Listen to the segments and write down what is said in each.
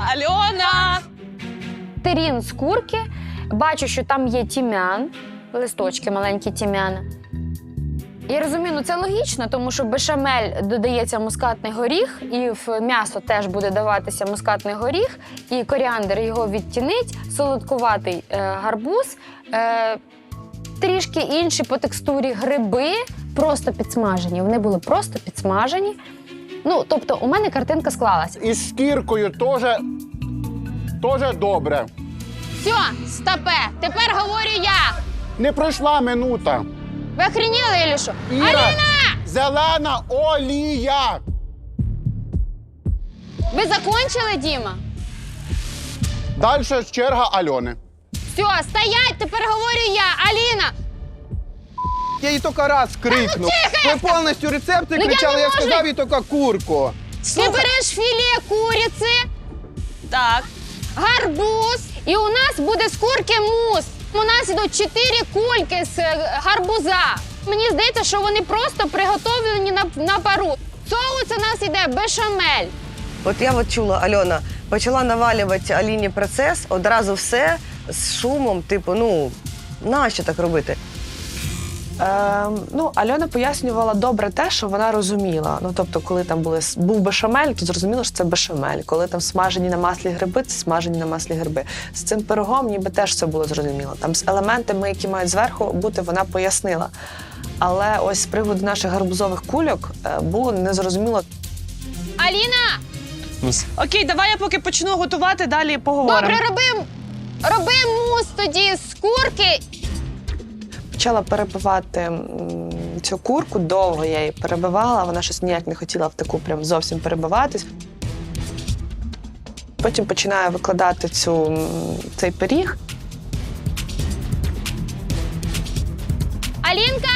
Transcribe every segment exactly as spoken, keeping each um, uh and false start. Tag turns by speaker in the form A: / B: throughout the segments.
A: Альона!
B: Терін з курки, бачу, що там є тім'ян, листочки маленькі тім'яна. Я розумію, ну це логічно, тому що в бешамель додається мускатний горіх, і в м'ясо теж буде даватися мускатний горіх, і коріандр його відтінить, солодкуватий е, гарбуз, е, трішки інші по текстурі гриби, просто підсмажені. Вони були просто підсмажені. Ну, тобто у мене картинка склалась.
C: І з шкіркою теж, теж добре.
B: Все, стопе, тепер говорю я.
C: Не пройшла минута.
B: Ви охреніли, чи що?
C: Іра,
B: Аліна!
C: зелена олія.
B: Ви закончили, Діма?
C: Далі черга Альони.
B: Все, стоять, тепер говорю я. Аліна!
D: Я їй тільки раз крикнув. Ви повністю рецепти
B: Ну, я
D: кричали,
B: не
D: я,
B: можу.
D: сказав їй тільки курку.
B: Ти береш філе куриці,
A: Так.
B: гарбуз, і у нас буде з курки мус. У нас йдуть чотири кульки з е, гарбуза. Мені здається, що вони просто приготовлені на, на пару. Соус у нас йде бешамель.
E: От я от чула, Альона, почала навалювати Аліні процес, одразу все з шумом, типу, ну, нащо так робити?
F: Е, ну, Альона пояснювала добре те, що вона розуміла. Ну, тобто, коли там були, був бешамель, то зрозуміло, що це бешамель. Коли там смажені на маслі гриби, це смажені на маслі гриби. З цим пирогом ніби теж все було зрозуміло. Там з елементами, які мають зверху бути, вона пояснила. Але ось з приводу наших гарбузових кульок е, було незрозуміло.
B: Аліна!
A: Окей, давай я поки почну готувати, далі поговоримо.
B: Добре, роби, роби мус тоді з курки.
F: Почала перебивати м, цю курку, довго я її перебивала, вона щось ніяк не хотіла в таку прям зовсім перебиватись. Потім починаю викладати цю, м, цей пиріг.
B: Алінка!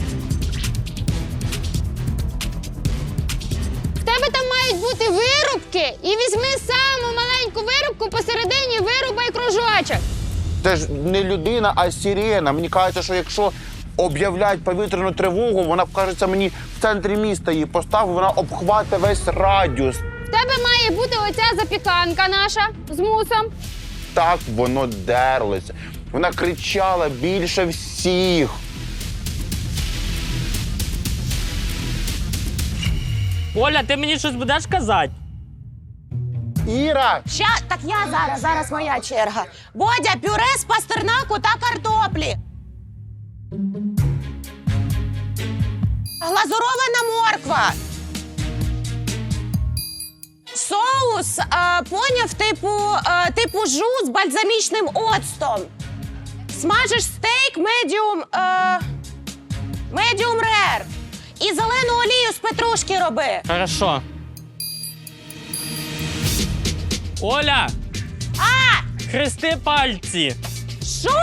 B: В тебе там мають бути вирубки, і візьми саму маленьку вирубку, посередині вирубай кружочок.
C: Це ж не людина, а сирена. Мені кажеться, що якщо об'являють повітряну тривогу, вона, кажеться, мені в центрі міста її поставить, вона обхватить весь радіус.
B: В тебе має бути оця запіканка наша з мусом.
C: Так воно дерлося. Вона кричала більше всіх.
G: Оля, ти мені щось будеш казати?
C: Іра!
H: Ща, так я зараз, зараз моя черга. Бодя, пюре з пастернаку та картоплі. Глазурована морква. Соус, а, поняв, типу, а, типу жу з бальзамічним оцтом. Смажиш стейк медіум, а, медіум рер. І зелену олію з петрушки роби.
G: Хорошо. Оля!
H: А!
G: Хрести пальці!
H: Що?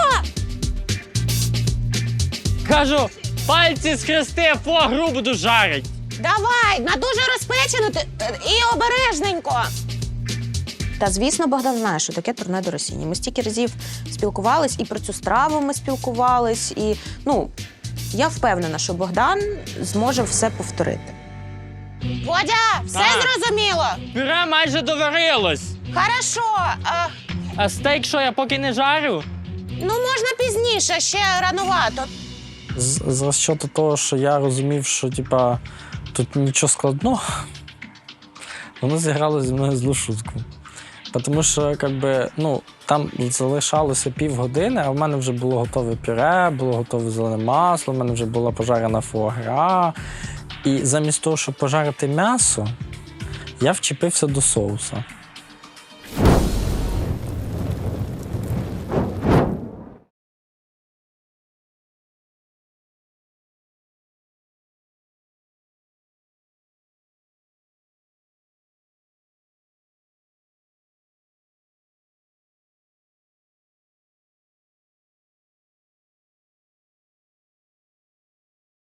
G: Кажу, пальці схрести, фуагру буду жарить.
H: Давай, на дуже розпечену ти- і обережненько. Та, звісно, Богдан знає, що таке турне до Росії. Ми стільки разів спілкувались, і про цю страву ми спілкувались, і, ну, я впевнена, що Богдан зможе все повторити. Бодя, все
G: Так.
H: зрозуміло?
G: Пюре майже доварилось.
H: Хорошо. А,
G: А стейк що, я поки не жарю?
H: ну, можна пізніше, ще ранувато.
I: З, з розчету того, що я розумів, що типа, тут нічого складного, воно зіграло зі мною злу шутку. Тому що якби, ну, там залишалося півгодини, а в мене вже було готове пюре, було готове зелене масло, в мене вже була пожарена фуагра. І замість того, щоб пожарити м'ясо, я вчепився до соуса.